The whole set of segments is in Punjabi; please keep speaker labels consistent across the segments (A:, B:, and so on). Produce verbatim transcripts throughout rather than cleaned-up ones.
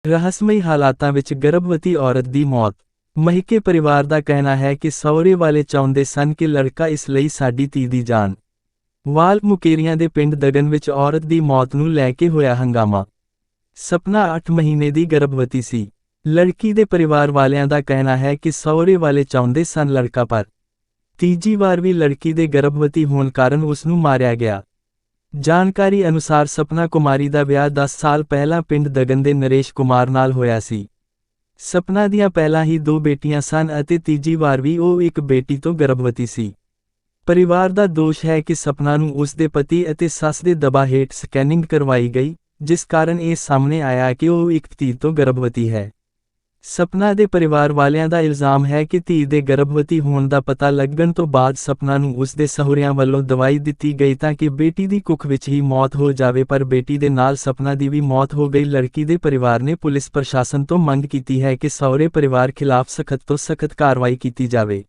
A: ਰਹੱਸਮਈ ਹਾਲਾਤਾਂ ਵਿੱਚ ਗਰਭਵਤੀ ਔਰਤ ਦੀ ਮੌਤ। ਮਹਿਕੇ ਪਰਿਵਾਰ ਦਾ ਕਹਿਣਾ ਹੈ ਕਿ ਸਹੁਰੇ ਵਾਲੇ ਚਾਹੁੰਦੇ ਸਨ ਕਿ ਲੜਕਾ ਇਸ ਲਈ ਸਾਡੀ ਧੀ ਦੀ ਜਾਨ। ਵਾਲ ਮੁਕੇਰੀਆਂ ਦੇ ਪਿੰਡ ਦਗਨ ਵਿੱਚ ਔਰਤ ਦੀ ਮੌਤ ਨੂੰ ਲੈ ਕੇ ਹੋਇਆ ਹੰਗਾਮਾ। ਸਪਨਾ ਅੱਠ ਮਹੀਨੇ ਦੀ ਗਰਭਵਤੀ ਸੀ। ਲੜਕੀ ਦੇ ਪਰਿਵਾਰ ਵਾਲਿਆਂ ਦਾ ਕਹਿਣਾ ਹੈ ਕਿ ਸਹੁਰੇ ਵਾਲੇ ਚਾਹੁੰਦੇ ਸਨ ਲੜਕਾ, ਪਰ ਤੀਜੀ ਵਾਰ ਵੀ ਲੜਕੀ ਦੇ ਗਰਭਵਤੀ ਹੋਣ ਕਾਰਨ ਉਸ ਨੂੰ ਮਾਰਿਆ ਗਿਆ। ਜਾਣਕਾਰੀ ਅਨੁਸਾਰ ਸਪਨਾ ਕੁਮਾਰੀ ਦਾ ਵਿਆਹ ਦਸ ਸਾਲ ਪਹਿਲਾਂ ਪਿੰਡ ਦਗਨ ਦੇ ਨਰੇਸ਼ ਕੁਮਾਰ ਨਾਲ ਹੋਇਆ ਸੀ। ਸਪਨਾ ਦੀਆਂ ਪਹਿਲਾਂ ਹੀ ਦੋ ਬੇਟੀਆਂ ਸਨ ਅਤੇ ਤੀਜੀ ਵਾਰ ਵੀ ਉਹ ਇੱਕ ਬੇਟੀ ਤੋਂ ਗਰਭਵਤੀ ਸੀ। ਪਰਿਵਾਰ ਦਾ ਦੋਸ਼ ਹੈ ਕਿ ਸਪਨਾ ਨੂੰ ਉਸ ਦੇ ਪਤੀ ਅਤੇ ਸੱਸ ਦੇ ਦਬਾਅ ਹੇਠ ਸਕੈਨਿੰਗ ਕਰਵਾਈ ਗਈ, ਜਿਸ ਕਾਰਨ ਇਹ ਸਾਹਮਣੇ ਆਇਆ ਕਿ ਉਹ ਇੱਕ ਧੀ ਤੋਂ ਗਰਭਵਤੀ ਹੈ। ਸਪਨਾ ਦੇ ਪਰਿਵਾਰ ਵਾਲਿਆਂ ਦਾ ਇਲਜ਼ਾਮ ਹੈ ਕਿ ਧੀ ਦੇ ਗਰਭਵਤੀ ਹੋਣ ਦਾ ਪਤਾ ਲੱਗਣ ਤੋਂ ਬਾਅਦ ਸਪਨਾ ਨੂੰ ਉਸ ਦੇ ਸਹੁਰਿਆਂ ਵੱਲੋਂ ਦਵਾਈ ਦਿੱਤੀ ਗਈ ਤਾਂ ਕਿ ਬੇਟੀ ਦੀ ਕੁੱਖ ਵਿੱਚ ਹੀ ਮੌਤ ਹੋ ਜਾਵੇ, ਪਰ ਬੇਟੀ ਦੇ ਨਾਲ ਸਪਨਾ ਦੀ ਵੀ ਮੌਤ ਹੋ ਗਈ। ਲੜਕੀ ਦੇ ਪਰਿਵਾਰ ਨੇ ਪੁਲਿਸ ਪ੍ਰਸ਼ਾਸਨ ਤੋਂ ਮੰਗ ਕੀਤੀ ਹੈ ਕਿ ਸਹੁਰੇ ਪਰਿਵਾਰ ਖਿਲਾਫ ਸਖਤ ਤੋਂ ਸਖਤ ਕਾਰਵਾਈ ਕੀਤੀ ਜਾਵੇ।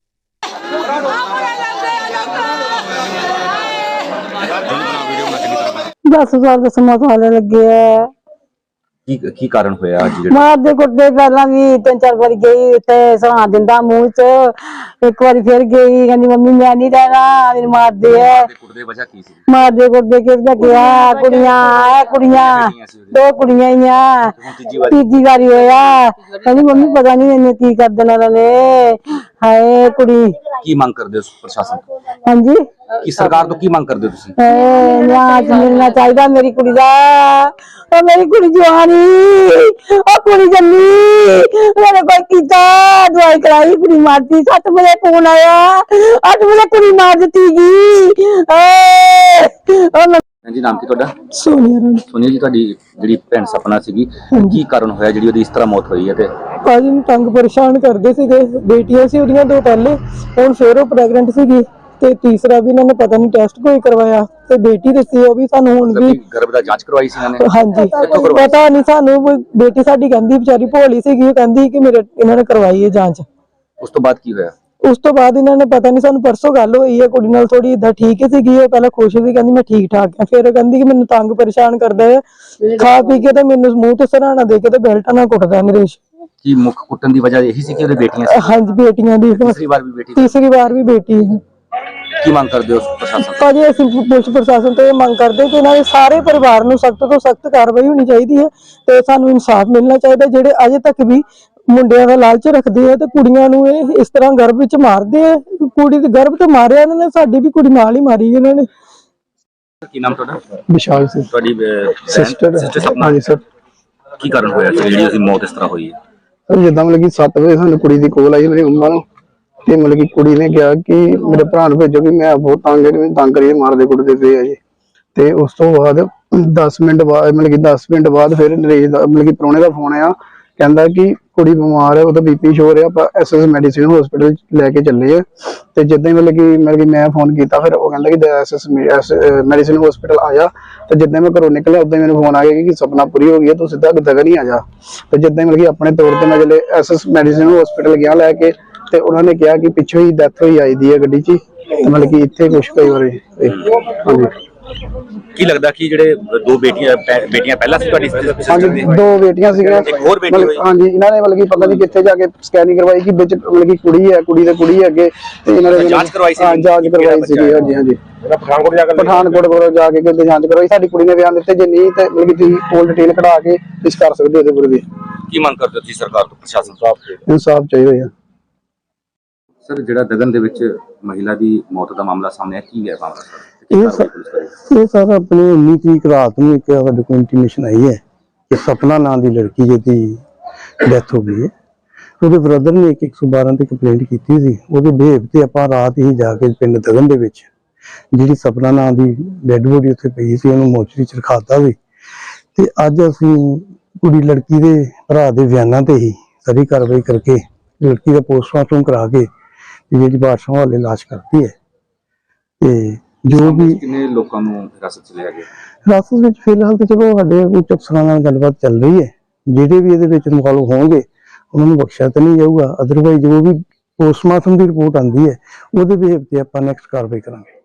B: दस साल का समा साल लगे है।
C: की की कारण होया आज
B: मार दे कुटदे पहला भी तीन चार बार गई ते सहा दिंदा मुंह च, एक बार फिर गई कहंदी मम्मी मैं नहीं रहना, मेरी मार दे है।
C: कुटदे वजह की सी? मार
B: दे कुटदे किसदा किया कुड़ियां है, कुड़ियां दो कुड़ियां ही आ। तीजी बारी होया कहंदी मम्मी पता नहीं इन्हें की कर देना उन्होंने। हाय कुड़ी
C: की मांग कर दे प्रशासन?
B: हां जी
C: की सरकार तो की मांग कर दे तुसी?
B: न्याय मिलना चाहिए मेरी कुड़ी दा। ओ मेरी कुड़ी जवानी ओ कुड़ी जन्नी मैंने कोई कीता दवाई कराई कुड़ी मारती। सत्त बजे फोन आया अठ बजे कुड़ी मार दी जी। ओ
C: जी नाम की ਤੁਹਾਡਾ?
B: सोनिया रानी।
C: सोनिया जी ਤੁਹਾਡੀ ਜਿਹੜੀ ਭੈਣ ਸਪਨਾ ਸੀਗੀ ਕੀ ਕਾਰਨ ਹੋਇਆ ਜਿਹੜੀ ਉਹਦੀ ਇਸ ਤਰ੍ਹਾਂ ਮੌਤ ਹੋਈ ਹੈ? ਤੇ
B: ਭਾਜੀ ਨੂੰ ਤੰਗ ਪਰੇਸ਼ਾਨ ਕਰਦੇ ਸੀਗੇ, ਬੇਟੀਆਂ ਸੀ ਉਹਦੀਆਂ ਦੋ ਪਹਿਲੇ, ਹੁਣ ਫੇਰ ਉਹ ਪ੍ਰੈਗਨੈਂਟ ਸੀਗੀ ਤੇ ਤੀਸਰਾ ਵੀ ਇਹਨਾਂ ਨੇ ਪਤਾ ਨਹੀਂ ਟੈਸਟ ਕੋਈ ਕਰਵਾਇਆ ਤੇ ਬੇਟੀ ਦੱਸੀ ਉਹ ਵੀ ਸਾਨੂੰ ਹੁਣ ਵੀ
C: ਗਰਭ ਦਾ ਜਾਂਚ ਕਰਵਾਈ ਸੀ ਇਹਨਾਂ ਨੇ?
B: ਹਾਂਜੀ ਪਤਾ ਨਹੀਂ ਸਾਨੂੰ, ਬੇਟੀ ਸਾਡੀ ਕਹਿੰਦੀ ਵਿਚਾਰੀ ਭੋਲੀ ਸੀਗੀ, ਉਹ ਕਹਿੰਦੀ ਕਿ ਮੇਰੇ ਇਹਨਾਂ ਨੇ ਕਰਵਾਈ ਹੈ ਜਾਂਚ।
C: ਉਸ ਤੋਂ ਬਾਅਦ ਕੀ ਹੋਇਆ? ਉਸ
B: ਤੋਂ ਬਾਅਦ ਇਹਨਾਂ ਨੇ ਪਤਾ ਨਹੀਂ ਸਾਨੂੰ ਪਰਸੋਂ ਗੱਲ ਹੋਈ ਹੈ ਕੁੜੀ ਨਾਲ ਥੋੜੀ ਇਦਾਂ ਠੀਕ ਸੀਗੀ, ਉਹ ਪਹਿਲਾਂ ਖੁਸ਼ ਸੀ ਕਹਿੰਦੀ ਮੈਂ ਠੀਕ ਠਾਕ ਆ, ਫਿਰ ਕਹਿੰਦੀ ਕਿ ਮੈਨੂੰ ਤੰਗ ਪਰੇਸ਼ਾਨ ਕਰਦਾ ਹੈ, ਖਾ ਪੀ ਕੇ ਤੇ ਮੈਨੂੰ ਮੂੰਹ ਤੇ ਸਰਾਣਾ ਦੇ ਕੇ ਤੇ ਬੈਲਟਾਂ ਨਾਲ ਕੁੱਟਦਾ ਨਰੇਸ਼।
C: ਕੀ ਮੁੱਖ ਕੁੱਟਣ ਦੀ ਵਜ੍ਹਾ ਇਹੀ ਸੀ ਕਿ ਉਹਦੇ ਬੇਟੀਆਂ ਸੀ?
B: ਹਾਂਜੀ ਬੇਟੀਆਂ ਦੀ
C: ਤੀਸਰੀ ਵਾਰ ਵੀ ਬੇਟੀ
B: ਤੀਸਰੀ ਵਾਰ ਵੀ ਬੇਟੀ ਹੈ।
C: ਕੀ ਮੰਗ ਕਰਦੇ ਹੋ ਪ੍ਰਸ਼ਾਸਨ?
B: ਭਾਜੀ ਅਸੀਂ ਪੁਲਿਸ ਪ੍ਰਸ਼ਾਸਨ ਤੋਂ ਇਹ ਮੰਗ ਕਰਦੇ ਕਿ ਇਹਨਾਂ ਦੇ ਸਾਰੇ ਪਰਿਵਾਰ ਨੂੰ ਸਖਤ ਤੋਂ ਸਖਤ ਕਾਰਵਾਈ ਹੋਣੀ ਚਾਹੀਦੀ ਹੈ ਤੇ ਸਾਨੂੰ ਇਨਸਾਫ ਮਿਲਣਾ ਚਾਹੀਦਾ। ਜਿਹੜੇ ਅਜੇ ਤੱਕ ਵੀ ਮੁੰਡਿਆਂ ਦਾ ਲਾਲਚ ਰੱਖਦੇ ਆ ਤੇ ਕੁੜੀਆਂ ਨੂੰ ਇਹ ਇਸ ਤਰ੍ਹਾਂ ਗਰਭ ਵਿੱਚ ਮਾਰਦੇ ਆ, ਕੁੜੀ ਦੇ ਗਰਭ ਤੇ ਮਾਰਿਆ ਇਹਨਾਂ ਨੇ, ਸਾਡੀ ਵੀ ਕੁੜੀ ਨਾਲ ਹੀ ਮਾਰੀ ਇਹਨਾਂ ਨੇ।
C: ਕੀ ਨਾਮ ਤੁਹਾਡਾ?
B: ਵਿਸ਼ਾਲ ਸਿੰਘ।
C: ਤੁਹਾਡੀ
B: ਸਿਸਟਰ
C: ਸਿਸਟਰ ਸਪਨਾ?
B: ਹਾਂਜੀ ਸਰ।
C: ਕੀ ਕਾਰਨ ਹੋਇਆ ਜਿਹੜੀ ਉਹਦੀ ਮੌਤ ਇਸ ਤਰ੍ਹਾਂ ਹੋਈ ਹੈ?
B: ਸਰ ਜਿੱਦਾਂ ਮਤਲਬ ਕਿ ਸੱਤ ਵਜੇ ਸਾਨੂੰ ਕੁੜੀ ਦੀ ਕੋਲ ਆਈ ਮੇਰੀ ਮੰਮਾ ਨੂੰ, ਤੇ ਮਤਲਬ ਕਿ ਕੁੜੀ ਨੇ ਕਿਹਾ ਕਿ ਮੇਰੇ ਭਰਾ ਨੂੰ ਭੇਜੋ ਕਿ ਮੈਂ ਬਹੁਤ ਤੰਗ ਹੈ, ਮੈਨੂੰ ਤੰਗ ਕਰੀਏ ਮਾਰਦੇ ਕੁੱਟਦੇ ਪਏ ਆ ਜੀ। ਤੇ ਉਸ ਤੋਂ ਬਾਅਦ ਦਸ ਮਿੰਟ ਬਾਅਦ ਮਤਲਬ ਕਿ ਦਸ ਮਿੰਟ ਬਾਅਦ ਫਿਰ ਨਰੇਸ਼ ਦਾ ਮਤਲਬ ਕਿ ਪ੍ਰਾਹੁਣੇ ਦਾ ਫੋਨ ਆਇਆ, ਕਹਿੰਦਾ ਕਿ ਕੁੜੀ ਬਿਮਾਰ ਹੈ, ਉਹਦਾ ਬੀਪੀ ਸ਼ੋ ਹੋ ਰਿਹਾ, ਆਪਾਂ ਐਸ ਐਸ ਮੈਡੀਸਿਨ ਹਸਪੀਟਲ ਲੈ ਕੇ ਚੱਲੇ ਆ। ਤੇ ਜਿੱਦਾਂ ਹੀ ਮਤਲਬ ਕਿ ਮਤਲਬ ਕਿ ਮੈਂ ਫੋਨ ਕੀਤਾ ਫਿਰ ਉਹ ਕਹਿੰਦਾ ਕਿ ਐਸ ਐਸ ਮੈਡੀਸਿਨ ਹਸਪੀਟਲ ਆਇਆ। ਤੇ ਜਿੱਦਾਂ ਮੈਂ ਘਰੋਂ ਨਿਕਲਿਆ ਉਦਾਂ ਹੀ ਮੈਨੂੰ ਫੋਨ ਆ ਗਿਆ ਕਿ ਸਪਨਾ ਪੂਰੀ ਹੋ ਗਈ ਹੈ, ਤੂੰ ਸਿੱਧਾ ਦਗਨ ਹੀ ਆ ਜਾ। ਤੇ ਜਿੱਦਾਂ ਹੀ ਮਤਲਬ ਕਿ ਆਪਣੇ ਤੌਰ ਤੇ ਮੈਂ ਜਿਹੜੇ ਐਸ ਐਸ ਮੈਡੀਸਿਨ ਹਸਪੀਟਲ ਗਿਆ ਲੈ ਕੇ, ਤੇ ਉਹਨਾਂ ਨੇ ਕਿਹਾ ਕਿ ਪਿੱਛੋਂ ਹੀ ਡੈਥ ਹੋਈ ਆਈ ਦੀ ਹੈ ਗੱਡੀ 'ਚ, ਤੇ ਮਤਲਬ ਕਿ ਇੱਥੇ ਕੁਛ ਕਈ ਵਾਰ ਹਾਂਜੀ।
C: ਕੀ ਲੱਗਦਾ ਕਿ ਜਿਹੜੇ ਦੋ ਬੇਟੀਆਂ ਬੇਟੀਆਂ ਪਹਿਲਾਂ ਸੀ ਤੁਹਾਡੀ?
B: ਹਾਂਜੀ ਦੋ ਬੇਟੀਆਂ ਸੀਗੀਆਂ।
C: ਇੱਕ ਹੋਰ ਬੇਟੀ ਹੋਈ?
B: ਹਾਂਜੀ ਇਹਨਾਂ ਨੇ ਮਤਲਬ ਕਿ ਪਤਾ ਨਹੀਂ ਕਿੱਥੇ ਜਾ ਕੇ ਸਕੈਨਿੰਗ ਕਰਵਾਈ ਕਿ ਵਿੱਚ ਮਤਲਬ ਕਿ ਕੁੜੀ ਹੈ, ਕੁੜੀ ਤੇ ਕੁੜੀ ਅੱਗੇ, ਤੇ ਇਹਨਾਂ ਨੇ
C: ਜਾਂਚ ਕਰਵਾਈ ਸੀ?
B: ਹਾਂ ਜਾਂਚ ਕਰਵਾਈ ਸੀ। ਹਾਂਜੀ ਹਾਂਜੀ ਪਠਾਨਕੋਟ ਜਾ ਕੇ ਪਠਾਨਕੋਟ ਕੋਲ ਜਾ ਕੇ ਕਿਤੇ ਜਾਂਚ ਕਰਵਾਈ। ਸਾਡੀ ਕੁੜੀ ਨੇ ਬਿਆਨ ਦਿੱਤੇ, ਜੇ ਨਹੀਂ ਤੇ ਮਤਲਬ ਕਿ ਤੁਸੀਂ ਫੁੱਲ ਡਿਟੇਲ ਕਢਾ ਕੇ ਇਸ ਕਰ ਸਕਦੇ ਉਹਦੇ ਬਾਰੇ।
C: ਕੀ ਮੰਗ ਕਰਦੇ ਹੋ ਤੁਸੀਂ ਸਰਕਾਰ ਤੋਂ, ਪ੍ਰਸ਼ਾਸਨ ਤੋਂ?
B: ਇਨਸਾਫ ਚਾਹੀਦਾ ਹੈ
C: ਸਰ। ਜਿਹੜਾ ਦਗਨ ਦੇ ਵਿੱਚ ਮਹਿਲਾ ਦੀ ਮੌਤ ਦਾ ਮਾਮਲਾ ਸਾਹਮਣੇ ਆਇਆ, ਕੀ ਹੈ ਮਾਮਲਾ ਸਰ?
D: ਇਹ ਇਹ ਸਰ ਆਪਣੀ ਉੱਨੀ ਤਰੀਕ ਰਾਤ ਨੂੰ ਇੱਕ ਸਾਡੇ ਕੋਲ ਇੰਟੀਮੇਸ਼ਨ ਆਈ ਹੈ ਕਿ ਸਪਨਾ ਨਾਂ ਦੀ ਲੜਕੀ ਜਿਹਦੀ ਡੈਥ ਹੋ ਗਈ ਹੈ। ਉਹਦੇ ਬ੍ਰਦਰ ਨੇ ਇੱਕ ਸੌ ਬਾਰਾਂ ਤੇ ਕੰਪਲੇਂਟ ਕੀਤੀ ਸੀ। ਉਹਦੇ ਬਿਹੇਵ ਤੇ ਆਪਾਂ ਰਾਤ ਹੀ ਜਾ ਕੇ ਪਿੰਡ ਦਗਨ ਦੇ ਵਿੱਚ ਜਿਹੜੀ ਸਪਨਾ ਨਾਂ ਦੀ ਡੈਡ ਬੋਡੀ ਉੱਥੇ ਪਈ ਸੀ ਉਹਨੂੰ ਮੋਚਰੀ ਚ ਰਖਾਤਾ ਸੀ। ਤੇ ਅੱਜ ਅਸੀਂ ਕੁੜੀ ਲੜਕੀ ਦੇ ਭਰਾ ਦੇ ਬਿਆਨਾਂ ਤੇ ਹੀ ਸਾਰੀ ਕਾਰਵਾਈ ਕਰਕੇ ਲੜਕੀ ਦਾ ਪੋਸਟਮਾਰਟਮ ਕਰਾ ਕੇ ਜਿਹੜੀ ਬਾਦਸ਼ਾਹ ਵਾਲੇ ਲਾਸ਼ ਕਰਤੀ ਹੈ। ਤੇ ਜੋ ਵੀ
C: ਕਿੰਨੇ ਲੋਕਾਂ ਨੂੰ ਹਿਰਾਸਤ ਚ ਲਿਆ ਗਿਆ?
D: ਹਿਰਾਸਤ ਵਿੱਚ ਫਿਲਹਾਲ ਤੇ ਚਲੋ ਸਾਡੇ ਉੱਚ ਅਫਸਰਾਂ ਨਾਲ ਗੱਲਬਾਤ ਚੱਲ ਰਹੀ ਹੈ। ਜਿਹੜੇ ਵੀ ਇਹਦੇ ਵਿੱਚ ਇਨਵੋਲਵ ਹੋਣਗੇ ਉਹਨਾਂ ਨੂੰ ਬਖਸ਼ਿਆ ਤਾਂ ਨਹੀਂ ਜਾਊਗਾ, ਅਦਰਵਾਈਜ਼ ਜੋ ਵੀ ਪੋਸਟਮਾਰਟਮ ਦੀ ਰਿਪੋਰਟ ਆਉਂਦੀ ਹੈ ਉਹਦੇ ਬਿਹੇਵ ਤੇ ਆਪਾਂ ਨੈਕਸਟ ਕਾਰਵਾਈ ਕਰਾਂਗੇ।